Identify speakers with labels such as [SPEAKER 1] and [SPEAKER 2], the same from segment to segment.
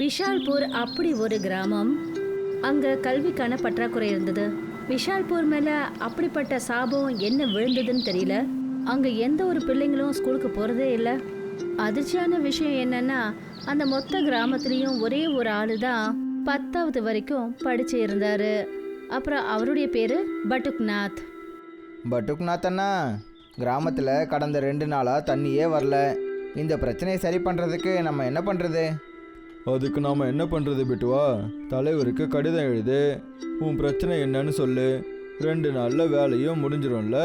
[SPEAKER 1] விஷால்பூர் அப்படி ஒரு கிராமம். அங்க கல்விக்கான பற்றாக்குறை இருந்தது. விஷால்பூர் மேல அப்படிப்பட்ட சாபம் என்ன விழுந்ததுன்னு தெரியல. அங்க எந்த ஒரு பிள்ளைங்களும் ஸ்கூலுக்கு போறதே இல்லை. அதிர்ச்சியான விஷயம் என்னன்னா, அந்த மொத்த கிராமத்துலயும் ஒரே ஒரு ஆளு தான் 10வது வரைக்கும் படிச்சு இருந்தாரு. அப்புறம் அவருடைய பேரு பட்டுக்நாத்.
[SPEAKER 2] பட்டுக்நாத் அண்ணா, கிராமத்தில் கடந்த 2 நாளாக தண்ணியே வரல. இந்த பிரச்சனையை சரி பண்ணுறதுக்கு நம்ம என்ன பண்ணுறது?
[SPEAKER 3] அதுக்கு நாம் என்ன பண்ணுறது பிட்டுவா? தலைவருக்கு கடிதம் எழுது, உன் பிரச்சனை என்னன்னு சொல்லு. 2 நாளில் வேலையும் முடிஞ்சிடும்ல.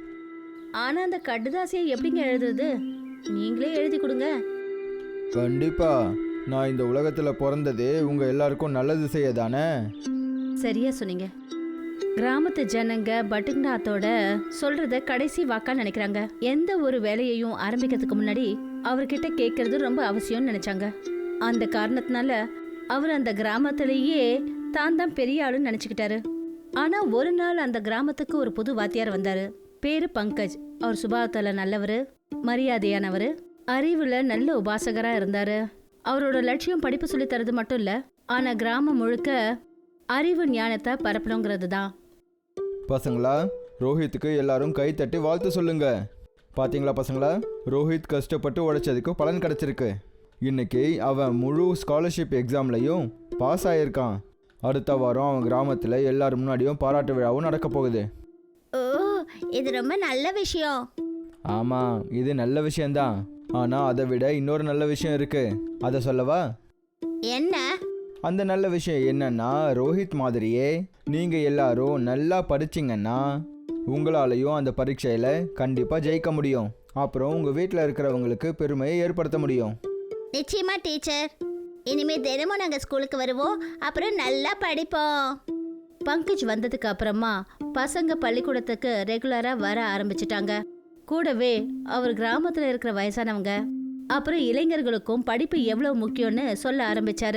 [SPEAKER 1] ஆனா அந்த கடுதாசியை எப்படிங்க எழுதுறது? நீங்களே எழுதி கொடுங்க.
[SPEAKER 3] கண்டிப்பாக. நான் இந்த உலகத்தில் பிறந்ததே உங்கள் எல்லாருக்கும் நல்லது செய்ய தானே.
[SPEAKER 1] சரியா சொன்னீங்க. கிராமத்து ஜனங்க பட்டுக்நாத்தோட சொல்றத கடைசி வாக்கா நினைக்கிறாங்க. எந்த ஒரு வேலையையும் ஆரம்பிக்கிறதுக்கு முன்னாடி அவர்கிட்ட கேட்கறது ரொம்ப அவசியம்னு நினைச்சாங்க. அந்த காரணத்தினால அவர் அந்த கிராமத்திலேயே தான் பெரிய ஆளுன்னு நினைச்சுக்கிட்டாரு. ஆனா ஒரு நாள் அந்த கிராமத்துக்கு ஒரு புது வாத்தியார் வந்தாரு. பேரு பங்கஜ். அவர் சுபாவத்துல நல்லவர், மரியாதையானவர், அறிவுல நல்ல உபாசகரா இருந்தாரு. அவரோட லட்சியம் படிப்பு சொல்லி தரது மட்டும் இல்ல, ஆனா கிராமம் முழுக்க அறிவு ஞானத்தை பரப்பணுங்கிறது தான்.
[SPEAKER 3] பசங்களா, ரோஹித்துக்கு எல்லாரும் கை தட்டி வாழ்த்து சொல்லுங்க. பார்த்தீங்களா பசங்களா, ரோஹித் கஷ்டப்பட்டு உழைச்சதுக்கு பலன் கிடச்சிருக்கு. இன்னைக்கு அவன் முழு ஸ்காலர்ஷிப் எக்ஸாம்லையும் பாஸ் ஆகியிருக்கான். அடுத்த வாரம் அவன் கிராமத்தில் எல்லாரும் முன்னாடியும் பாராட்டு விழாவும் நடக்க போகுது.
[SPEAKER 1] ஓ, இது ரொம்ப நல்ல விஷயம்.
[SPEAKER 3] ஆமாம், இது நல்ல விஷயந்தான். ஆனால் அதை விட இன்னொரு நல்ல விஷயம் இருக்கு. அதை சொல்லவா?
[SPEAKER 1] என்ன?
[SPEAKER 3] அந்த நல்ல விஷயம் என்னன்னா, ரோஹித் மாதிரியே நீங்கள் எல்லாரும் நல்லா படிச்சிங்கன்னா உங்களாலையும் அந்த பரீட்சையில் கண்டிப்பாக ஜெயிக்க முடியும். அப்புறம் உங்கள் வீட்டில் இருக்கிறவங்களுக்கு பெருமையை ஏற்படுத்த முடியும்.
[SPEAKER 4] நிச்சயமா டீச்சர். இனிமே தினமும் நாங்கள் ஸ்கூலுக்கு வருவோம், அப்புறம் நல்லா படிப்போம்.
[SPEAKER 1] பங்கஜ் வந்ததுக்கு அப்புறமா பசங்க பள்ளிக்கூடத்துக்கு ரெகுலரா வர ஆரம்பிச்சிட்டாங்க. கூடவே அவர் கிராமத்துல இருக்கிற வயசானவங்க அப்புறம் இளைஞர்களுக்கும் படிப்பு எவ்வளவு முக்கியம்னு சொல்ல ஆரம்பிச்சாரு.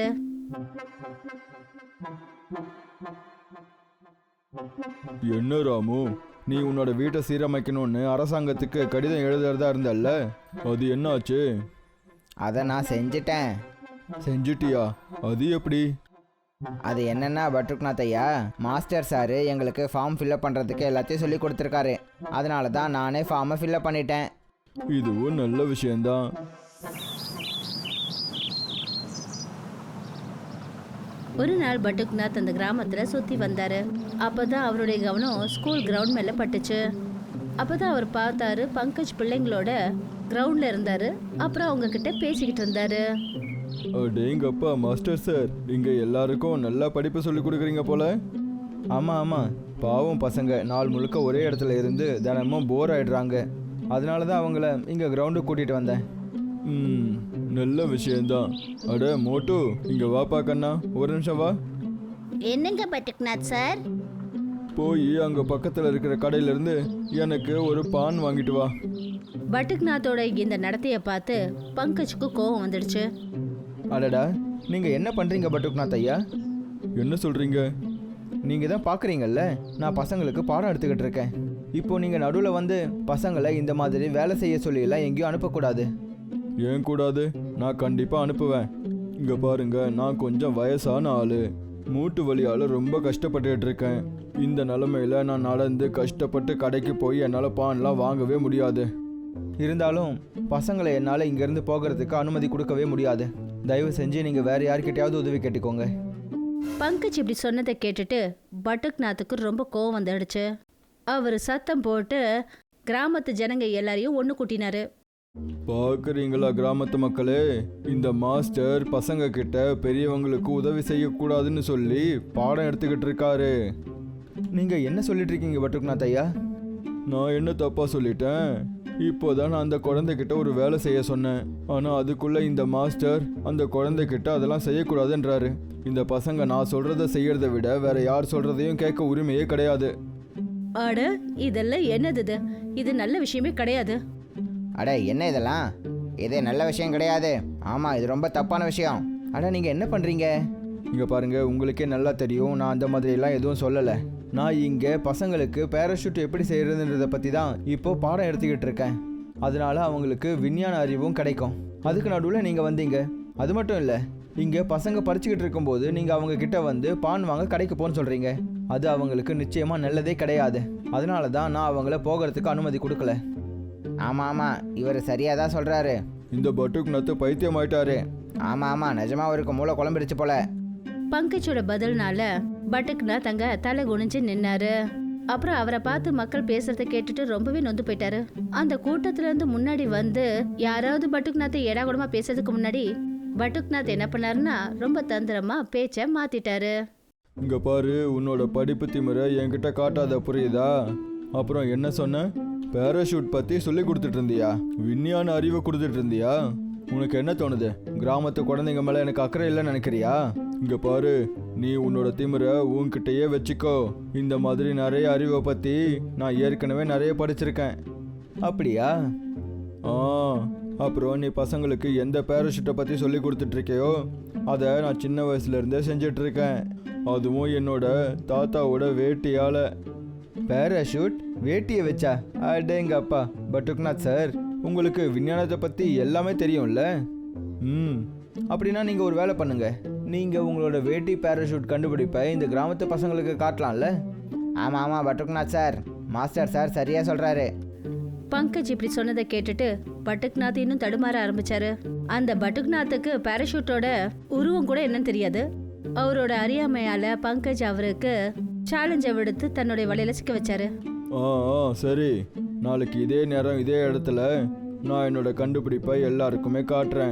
[SPEAKER 3] என்ன ராமு, நீ உன்னோட வீட்டை சீரமைக்கணும்னு அரசாங்கத்துக்கு கடிதம் எழுதுறதா இருந்தல்ல, அது என்னாச்சு?
[SPEAKER 2] அதை நான் செஞ்சிட்டேன்.
[SPEAKER 3] செஞ்சிட்டியா? அது எப்படி?
[SPEAKER 2] அது என்னென்னா பட்டுக்நாத் ஐயா, மாஸ்டர் சார் எங்களுக்கு ஃபார்ம் ஃபில்அப் பண்ணுறதுக்கு எல்லாத்தையும் சொல்லி கொடுத்துருக்காரு. அதனால தான் நானே ஃபார்மை ஃபில்அப் பண்ணிட்டேன்.
[SPEAKER 3] இதுவும் நல்ல விஷயந்தான்.
[SPEAKER 1] ஒரு நாள் பட்டுக்நாத் அந்த கிராமத்துல சுத்தி வந்தாரு. அப்பதான் அவருடைய கவனம் ஸ்கூல் கிரவுண்ட் மேல பட்டுச்சு. அப்பதான் அவர் பார்த்தாரு, பங்கஜ் பிள்ளைங்களோட கிரவுண்ட்ல இருந்தாரு. அப்புறம் அவங்க கிட்ட பேசிக்கிட்டு இருந்தாரு.
[SPEAKER 3] அடேங்கப்பா மாஸ்டர் சார், இங்கே எல்லாருக்கும் நல்லா படிப்பு சொல்லி கொடுக்குறீங்க போல. ஆமாம் ஆமாம், பாவம் பசங்க நாள் முழுக்க ஒரே இடத்துல இருந்து தினமும் போர் ஆயிடுறாங்க. அதனால தான் அவங்கள இங்கே கிரவுண்டுக்கு கூட்டிகிட்டு வந்தேன். நல்ல விஷயந்தான். அட மோட்டு, இங்கே வாப்பா கண்ணா, ஒரு நிமிஷம் வா.
[SPEAKER 4] என்னங்க பட்டுக்நாத் சார்?
[SPEAKER 3] போய் அங்கே பக்கத்தில் இருக்கிற கடையிலேருந்து எனக்கு ஒரு பான் வாங்கிட்டு வா.
[SPEAKER 1] பட்டுக்நாத்தோட இந்த நடத்தையை பார்த்து பங்கஜுக்கு கோபம் வந்துடுச்சு.
[SPEAKER 2] அடடா, நீங்கள் என்ன பண்ணுறீங்க பட்டுக்நாத் ஐயா?
[SPEAKER 3] என்ன சொல்கிறீங்க?
[SPEAKER 2] நீங்கள் தான் பார்க்குறீங்கல்ல, நான் பசங்களுக்கு பாடம் எடுத்துக்கிட்டு இருக்கேன். இப்போது நீங்கள் நடுவில் வந்து பசங்களை இந்த மாதிரி வேலை செய்ய சொல்லியெல்லாம் எங்கேயும் அனுப்பக்கூடாது.
[SPEAKER 3] ஏன் கூடாது? நான் கண்டிப்பாக அனுப்புவேன். இங்கே பாருங்க, நான் கொஞ்சம் வயசான ஆள், மூட்டு வலியால் ரொம்ப கஷ்டப்பட்டுட்டு இருக்கேன். இந்த நிலமையில நான் நடந்து கஷ்டப்பட்டு கடைக்கு போய் என்னால் பான்லாம் வாங்கவே முடியாது.
[SPEAKER 2] இருந்தாலும் பசங்களை என்னால் இங்கேருந்து போகிறதுக்கு அனுமதி கொடுக்கவே முடியாது. தயவு செஞ்சு நீங்கள் வேறு யார்கிட்டயாவது உதவி கேட்டுக்கோங்க.
[SPEAKER 1] பங்கஜ் இப்படி சொன்னதை கேட்டுட்டு பட்டுக்நாத்துக்கு ரொம்ப கோவம் வந்துடுச்சு. அவர் சத்தம் போட்டு கிராமத்து ஜனங்க எல்லாரையும் ஒன்று கூட்டினாரு.
[SPEAKER 3] பார்க்குறீங்களா கிராமத்து மக்களே, இந்த மாஸ்டர் பசங்க கிட்ட பெரியவங்களுக்கு உதவி செய்யக்கூடாதுன்னு சொல்லி பாடம் எடுத்துக்கிட்டு இருக்காரு.
[SPEAKER 2] நீங்கள் என்ன சொல்லிட்டு இருக்கீங்க பட்டுக்நாத் ஐயா?
[SPEAKER 3] நான் என்ன தப்பாக சொல்லிட்டேன்? இப்போதான் நான் அந்த குழந்தைகிட்ட ஒரு வேலை செய்ய சொன்னேன். ஆனால் அதுக்குள்ளே இந்த மாஸ்டர் அந்த குழந்தைகிட்ட அதெல்லாம் செய்யக்கூடாதுன்றாரு. இந்த பசங்க நான் சொல்கிறத செய்யறதை விட வேற யார் சொல்கிறதையும் கேட்க உரிமையே கிடையாது.
[SPEAKER 1] அட, இதெல்லாம் என்னது? இது நல்ல விஷயமே கிடையாது.
[SPEAKER 2] அட என்ன இதெல்லாம்? இதே நல்ல விஷயம் கிடையாது. ஆமாம், இது ரொம்ப தப்பான விஷயம். அட நீங்கள் என்ன பண்ணுறீங்க?
[SPEAKER 3] இங்கே பாருங்கள், உங்களுக்கே நல்லா தெரியும், நான் அந்த மாதிரிலாம் எதுவும் சொல்லலை.
[SPEAKER 2] நான் இங்கே பசங்களுக்கு பேராஷூட் எப்படி செய்கிறதுன்றதை பற்றி தான் இப்போது பாடம் எடுத்துக்கிட்டு இருக்கேன். அதனால அவங்களுக்கு விஞ்ஞான அறிவும் கிடைக்கும். அதுக்கு நடுவில் நீங்கள் வந்தீங்க. அது மட்டும் இல்லை, இங்கே பசங்க படிச்சுக்கிட்டு இருக்கும்போது நீங்கள் அவங்க கிட்ட வந்து பான் வாங்க கடைக்கு போன்னு சொல்கிறீங்க. அது அவங்களுக்கு நிச்சயமாக நல்லதே கிடையாது. அதனால தான் நான் அவங்கள போகிறதுக்கு அனுமதி கொடுக்கல. ஆமாம் ஆமாம், இவர் சரியாக தான் சொல்கிறாரு.
[SPEAKER 3] இந்த பட்டுக்நாத் பைத்தியம் ஆயிட்டாரு.
[SPEAKER 2] ஆமாம் ஆமாம், நிஜமாக அவருக்கு மூளை குழம்பிடுச்சு போல.
[SPEAKER 1] பங்கஜோட பதில்னால பட்டுக்நாத் அங்க தலை குனிஞ்சு நின்னாரு. அப்புறம் அவரை பார்த்து மக்கள் பேசுறத கேட்டுட்டு ரொம்பவே நொந்து போயிட்டாரு. அந்த கூட்டத்துல இருந்து முன்னாடி வந்து யாராவது பட்டுக்நாத்தை ஏடாகுடமா பேசுறதுக்கு முன்னாடி பட்டுக்நாத் என்ன பண்ணாருன்னா ரொம்ப தந்திரமா பேச்ச மாத்திட்டாரு.
[SPEAKER 3] இங்க பாரு, உன்னோட படிப்பு திமிரை என்கிட்ட காட்டாத, புரியுதா? அப்புறம் என்ன சொன்ன? பேராஷூட் பத்தி சொல்லி கொடுத்துட்டு இருந்தியா? விஞ்ஞான அறிவை கொடுத்துட்டு இருந்தியா? உனக்கு என்ன தோணுது? கிராமத்து குழந்தைங்க மேல எனக்கு அக்கறை இல்லைன்னு நினைக்கிறியா? இங்க பாரு, நீ உன்னோட திமிரை உன்கிட்டயே வச்சுக்கோ. இந்த மாதிரி நிறைய அறிவை பத்தி நான் ஏற்கனவே நிறைய படிச்சிருக்கேன்.
[SPEAKER 2] அப்படியா?
[SPEAKER 3] அப்புறம் நீ பசங்களுக்கு எந்த பேராஷூட்டை பற்றி சொல்லி கொடுத்துட்ருக்கியோ அதை நான் சின்ன வயசுலேருந்தே செஞ்சிட்ருக்கேன். அதுவும் என்னோட தாத்தாவோட வேட்டியால்.
[SPEAKER 2] பேராஷூட் வேட்டியை வச்சா? அடேங்க அப்பா. பட்டுக்நாத் சார், உங்களுக்கு விஞ்ஞானத்தை பற்றி எல்லாமே தெரியும்ல? அப்படின்னா நீங்கள் ஒரு வேலை பண்ணுங்க. நீங்கள் உங்களோட வேட்டி பேராஷூட் கண்டுபிடிப்பை இந்த கிராமத்து பசங்களுக்கு காட்டலாம்ல? ஆமாம் ஆமாம் பட்டுக்நாத் சார், மாஸ்டர் சார் சரியாக சொல்கிறாரு.
[SPEAKER 1] பங்கஜ் இப்படி சொன்னதை கேட்டுட்டு பட்டுக்நாத் இன்னும் தடுமாற ஆரம்பிச்சாரு. அந்த பட்டுக்நாத்துக்கு பேராஷூட்டோட உருவம் கூட என்னன்னு தெரியாது. அவரோட அறியாமையால பங்கஜ் அவருக்கு சேலஞ்சை விடுத்து தன்னுடைய வலையில சிக்க வச்சாரு.
[SPEAKER 3] சரி, நாளைக்கு இதே நேரம் இதே இடத்துல நான் என்னோட கண்டுபிடிப்பை எல்லாருக்குமே காட்டுறேன்.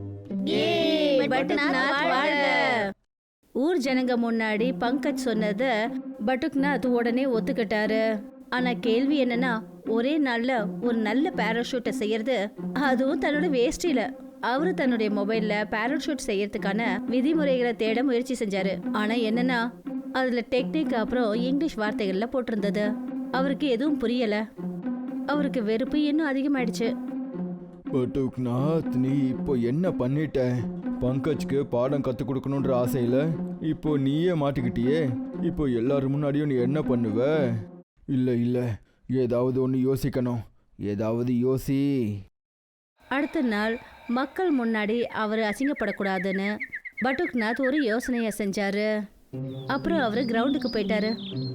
[SPEAKER 1] ஊர் ஜனங்க முன்னாடி பங்கஜ் சொன்னதை பட்டுக்நாத் உடனே ஒத்துக்கிட்டாரு. ஆனா கேள்வி என்னன்னா, ஒரே நாள்ல ஒரு நல்ல பேராஷூட்டை செய்யறது, அதுவும் தன்னோட வேஷ்டியில. அவரு தன்னுடைய மொபைல்ல பேராஷூட் செய்யறதுக்கான விதிமுறைகளை தேட முயற்சி செஞ்சாரு. ஆனா என்னன்னா, அதுல டெக்னிக் அப்புறம் இங்கிலீஷ் வார்த்தைகள்ல போட்டிருந்தது. அவருக்கு எதுவும் புரியல. அவருக்கு வெறுப்பு இன்னும் அதிகமாயிடுச்சு.
[SPEAKER 3] பட்டுக்நாத், நீ இப்போ என்ன பண்ணிட்ட? பங்கஜ்க்கு பாடம் கற்றுக் கொடுக்கணுன்ற ஆசையில் இப்போ நீயே மாட்டிக்கிட்டியே. இப்போ எல்லாரும் முன்னாடியும் நீ என்ன பண்ணுவ? இல்லை, ஏதாவது ஒன்று யோசிக்கணும். ஏதாவது யோசி.
[SPEAKER 1] அடுத்த நாள் மக்கள் முன்னாடி அவர் அசிங்கப்படக்கூடாதுன்னு பட்டுக்நாத் ஒரு யோசனையை செஞ்சாரு. அப்புறம் அவர் கிரவுண்டுக்கு போயிட்டாரு.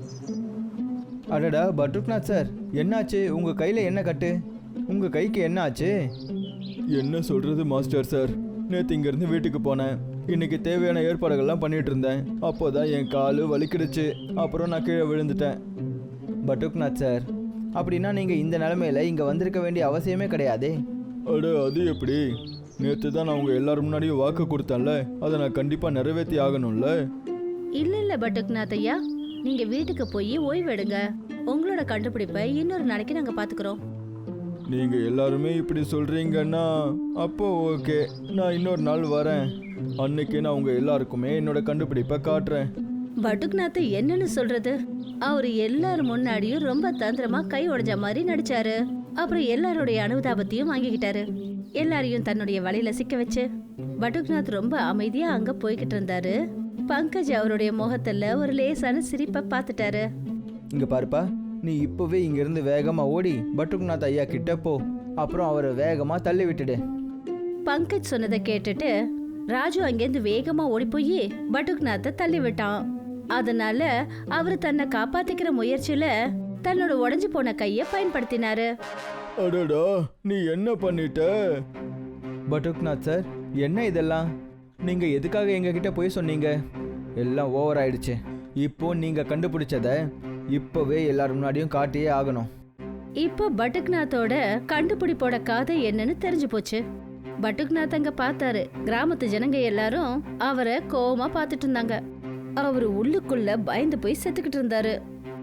[SPEAKER 2] அடடா பட்டுக்நாத் சார், என்னாச்சு? உங்கள் கையில் என்ன கட்டு? உங்கள் கைக்கு என்ன ஆச்சு?
[SPEAKER 3] என்ன சொல்கிறது மாஸ்டர் சார், நேற்று இங்கேருந்து வீட்டுக்கு போனேன். இன்னைக்கு தேவையான ஏற்பாடுகள்லாம் பண்ணிட்டு இருந்தேன். அப்போ தான் என் கால் வலிக்கிடுச்சு. அப்புறம் நான் கீழே விழுந்துட்டேன்.
[SPEAKER 2] பட்டுக்நாத் சார், அப்படின்னா நீங்கள் இந்த நிலமையில இங்கே வந்திருக்க வேண்டிய அவசியமே கிடையாதே.
[SPEAKER 3] அது எப்படி? நேற்று தான் நான் உங்கள் எல்லாரும் முன்னாடியும் வாக்கு கொடுத்தேன்ல, அதை நான் கண்டிப்பாக நிறைவேற்றி ஆகணும்ல.
[SPEAKER 1] இல்ல பட்டுக்நாத் ஐயா, நீங்க வீட்டுக்கு போய் ஓய்வெடுங்க. உங்களோட கண்டுபிடிப்பை இன்னொரு நாளைக்கு நாங்க பாத்துக்கிறோம்.
[SPEAKER 3] நீங்கள் எல்லாருமே இப்படி சொல்கிறீங்கன்னா அப்போ ஓகே, நான் இன்னொரு நாள் வரேன். அன்னைக்கு நான் உங்கள் எல்லாருக்குமே என்னோட கண்டுபிடிப்பை காட்டுறேன்.
[SPEAKER 1] பட்டுக்நாத் என்னன்னு சொல்றது? அவரு எல்லாரும் முன்னாடியும் ரொம்ப தந்திரமா கை உடைஞ்ச மாதிரி நடிச்சாரு. அப்புறம் எல்லாருடைய அனுதாபத்தையும் வாங்கிக்கிட்டாரு. எல்லாரையும் தன்னுடைய வலையில சிக்க வச்சு பட்டுக்நாத் ரொம்ப அமைதியா அங்க போய்கிட்டு இருந்தாரு. பங்கஜ் அவருடைய முகத்துல ஒரு லேசான சிரிப்பை பார்த்துட்டாரு.
[SPEAKER 2] இங்க பாருப்பா, நீ இப்போவே இங்கிருந்து வேகமாக ஓடி பட்டுக்நாத் ஐயா கிட்ட போ. அப்புறம் அவரை வேகமாக தள்ளி விட்டுடு.
[SPEAKER 1] பங்கஜ் சொன்னதை கேட்டுட்டு ராஜு அங்கேருந்து வேகமா ஓடி போய் பட்டுக்நாத்தை தள்ளி விட்டான். அதனால அவரு தன்னை காப்பாத்திக்கிற முயற்சியில தன்னோட உடைஞ்சு போன கையை பயன்படுத்தினாரு.
[SPEAKER 3] அடடா, நீ என்ன பண்ணிட்ட?
[SPEAKER 2] பட்டுக்நாத் சார், என்ன இதெல்லாம்? நீங்கள் எதுக்காக எங்ககிட்ட போய் சொன்னீங்க? எல்லாம் ஓவர் ஆயிடுச்சு. இப்போ நீங்கள் கண்டுபிடிச்சத இப்போவே எல்லாரும் முன்னாடியும் காட்டியே ஆகணும்.
[SPEAKER 1] இப்போ பட்டுக்நாத்தோட கண்டுபிடிப்போட கதை என்னன்னு தெரிஞ்சு போச்சு. பட்டுக்நாத் அங்க பார்த்தாரு. கிராமத்து ஜனங்க எல்லாரும் அவரை கோவமா பார்த்துட்டு இருந்தாங்க. அவரு உள்ளுக்குள்ள பயந்து போய் செத்துக்கிட்டு இருந்தாரு.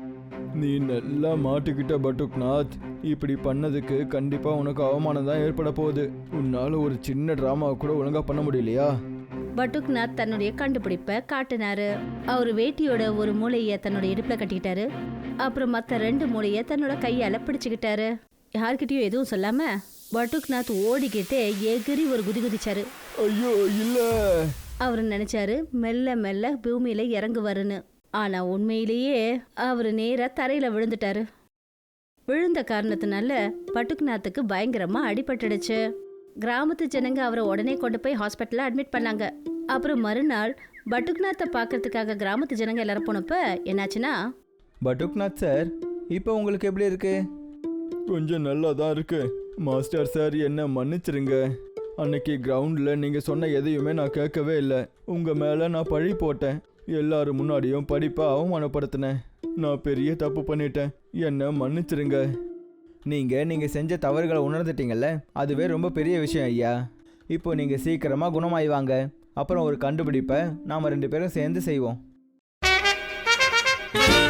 [SPEAKER 3] நீ நல்லா மாட்டிக்கிட்ட பட்டுக்நாத். இப்படி பண்ணதுக்கு கண்டிப்பா உனக்கு அவமானம் தான் ஏற்பட போகுது. உன்னால ஒரு சின்ன டிராமாவை கூட ஒழுங்கா பண்ண முடியலையா?
[SPEAKER 1] பட்டுக்நாத் தன்னுடைய கண்டுபிடிப்பை காட்டினாரு. அவரு வேட்டியோட ஒரு மூளைய தன்னோட இடுப்புல கட்டிக்கிட்டாரு. அப்புறம் மத்த 2 மூளைய தன்னோட கையால பிடிச்சுக்கிட்டாரு. யார்கிட்டயும் எதுவும் சொல்லாம பட்டுக்நாத் ஓடிக்கிட்டே எகிரி ஒரு குதி குதிச்சாரு.
[SPEAKER 3] ஐயோ இல்ல!
[SPEAKER 1] அவரு நினைச்சாரு மெல்ல மெல்ல பூமியில இறங்குவாருன்னு. ஆனா உண்மையிலேயே அவரு நேரா தரையில விழுந்துட்டாரு. விழுந்த காரணத்தினால பட்டுக்நாத்துக்கு பயங்கரமா அடிபட்டுடுச்சு. கிராமத்து ஜனங்க அவரை உடனே கொண்டு போய் ஹாஸ்பிட்டல்ல அட்மிட் பண்ணாங்க. அப்புறம் மறுநாள் பட்டுக்நாத்தை பார்க்கறதுக்காக கிராமத்து ஜனங்க எல்லாரும் போனப்ப என்னாச்சுன்னா,
[SPEAKER 2] பட்டுக்நாத் சார், இப்போ உங்களுக்கு எப்படி இருக்கு?
[SPEAKER 3] கொஞ்சம் நல்லா தான் இருக்கு. மாஸ்டர் சார், என்ன மன்னிச்சிருங்க. அன்னைக்கு கிரவுண்டில் நீங்கள் சொன்ன எதையுமே நான் கேட்கவே இல்லை. உங்கள் மேலே நான் பழி போட்டேன். எல்லாரும் முன்னாடியும் படிப்பை அவமானப்படுத்தினேன். நான் பெரிய தப்பு பண்ணிட்டேன். என்ன மன்னிச்சிருங்க.
[SPEAKER 2] நீங்கள் செஞ்ச தவறுகளை உணர்ந்துட்டீங்கல்ல, அதுவே ரொம்ப பெரிய விஷயம் ஐயா. இப்போ நீங்கள் சீக்கிரமாக குணமாயிவாங்க. அப்புறம் ஒரு கண்டுபிடிப்பை நாம் 2 பேரும் சேர்ந்து செய்வோம்.